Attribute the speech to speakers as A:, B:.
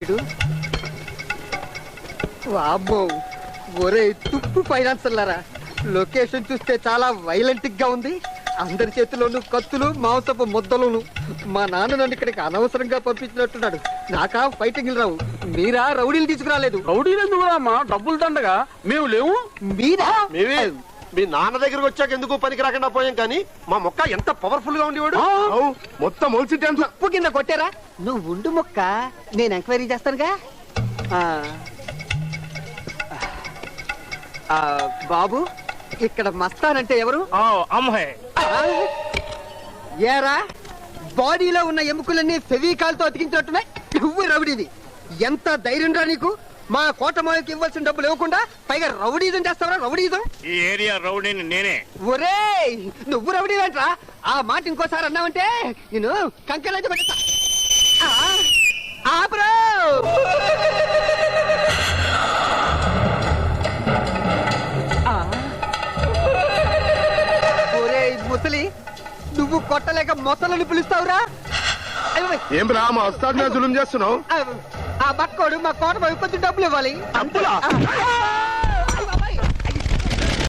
A: వీడు. వామ్మో, ఒరే తుప్పు ఫైనాన్సర్లారా, లొకేషన్ చూస్తే చాలా వైలెంట్ గా ఉంది. అందరి చేతిలోనూ కత్తులు, మాంసపు ముద్దలును. మా నాన్న నన్ను ఇక్కడికి అనవసరంగా పంపించినట్టున్నాడు. నాకా ఫైటింగ్ రావు, మీరా రౌడీలు తీసుకురాలేదు.
B: రౌడీలు ఎందుకు రామా? డబ్బులు దండగా మేము లేవు.
A: మీరా?
C: మీ నాన్న దగ్గరకు వచ్చాక ఎందుకు పనికి రాకుండా పోయాం, కానీ మా మొక్క ఎంత పవర్ఫుల్ గా ఉండేవాడు. మొత్తం మొలిసి
A: ఉప్పు కింద కొట్టారా? నువ్వు ఉండు మొక్క, నేను ఎంక్వైరీ చేస్తానుగా. బాబు, ఇక్కడ మస్తానంటే ఎవరు?
B: అమ్మాయి
A: ఏరా, బాడీలో ఉన్న ఎముకలన్నీ ఫెవికాల్ తో అతికించినట్టున్నాయి. నువ్వు రౌడీది. ఎంత ధైర్యం రా నీకు? మా కోటమాయకి ఇవ్వాల్సిన డబ్బులు ఇవ్వకుండా పైగా రౌడీజం చేస్తావరా? రౌడీజం?
B: ఈ ఏరియా రౌడీని నేనే.
A: ఒరే, నువ్వు రౌడీవేంట్రా? ఆ మాట ఇంకోసారి అన్నావంటే నేను కంకెలైతే పెడతా. బ్రో, ఒరే ముసలి, నువ్వు కొట్టలేక మొసలని పిలుస్తావురా?
C: ఏం రా మా వస్తాడు మీద జులుం చేస్తున్నావు?
A: ఆ బక్కోడు మా కోట కొంచెం డబ్బులు ఇవ్వాలి.